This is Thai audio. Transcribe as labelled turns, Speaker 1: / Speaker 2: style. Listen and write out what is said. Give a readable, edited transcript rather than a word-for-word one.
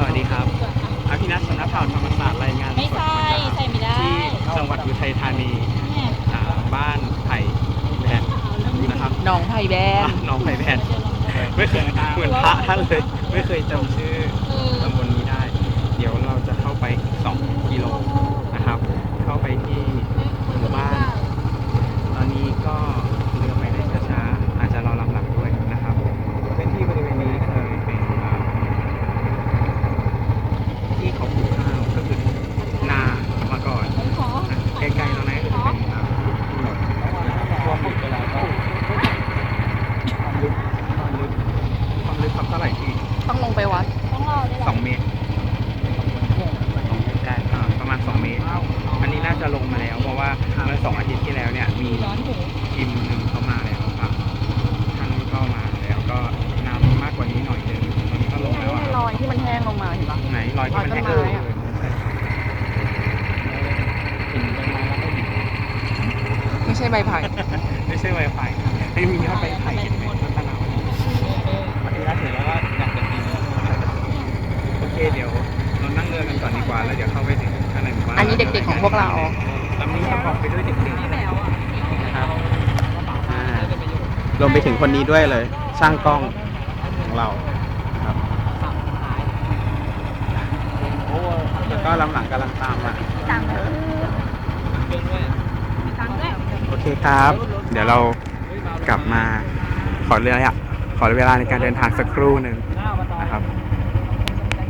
Speaker 1: วัสดีครับอภินัทสำนักข่าวธรรมศาสตร์รายงาน
Speaker 2: ไม่
Speaker 1: สด
Speaker 2: ใช่
Speaker 1: มา
Speaker 2: ใส่ไม่ได้
Speaker 1: จากที่จังหวัดอุทัยธานี
Speaker 2: เนี่ย
Speaker 1: บ้านไผ่แบนนะครับ
Speaker 3: หนองไผ่แบน
Speaker 1: น้องไผ่แบนไม่เคยเหมือนพระท่านเลย ไม่เคยจำชื่อตำบลนี้ได้ เดี๋ยวเราจะเข้าไป2 กิโลนะครับ เข้าไปที่หมู่บ้าน ตอนนี้ก็เรือไปได้ช้าๆอาจจะรอลำหลังด้วยนะครับพื้นที่บริเวณนี้เคยเป็นที่เขาปลูกข้าวก็คือนามาก่อนใกล้ๆตรงนั้นก็จะเป็นถนนท่วมอยู่ไปแล้วก็ความลึกครับเท่าไหร่ที่
Speaker 3: ต้องลงไปวัด
Speaker 2: ต้องรอด้วยเหรอ
Speaker 1: 2 เมตรประมาณ 2 เมตร อันนี้น่าจะลงมาแล้ว เพราะว่าเมื่อ2 อาทิตย์ที่แล้วเนี่ยมีทีมหนึ่งเข้ามาแล้วครับท่านก็มาแล้วก็น้ำมากกว่านี้หน่อยนึงตอนนี้ก็ลงแล้วอะ
Speaker 3: รอยที่มันแห้งลงมาเห็นปะ
Speaker 1: ไหนรอยที่มันแห้ง
Speaker 3: รอยต้นไม้อะ
Speaker 1: หินต้นไม้แล้วก็หิน
Speaker 3: ไม่ใช่ใบไผ่
Speaker 1: ไม่ใช่ไวไฟให้มียอดใบไผ่เห็นไหมต้นตะนาวมาทีละเสร็จแล้วก็อยากจะกินโอเคเดี๋ยวเรานั่งเรือกันก่อนดีกว่าแล้วเดี๋ยวเข้าไปถึงข้างในหมู่บ้าน
Speaker 3: อันนี้เด็กๆของพวกเรา
Speaker 1: ลำนี้ประกอบไปด้วยเด็กๆนะครับรวมไปถึงคนนี้ด้วยเลย ช่างกล้องของเราครับแล้วก็ลำหลังกำลังตามมาโอเคครับ เดี๋ยวเรากลับมาขอเวลาในการเดินทางสักครู่หนึ่งนะครับ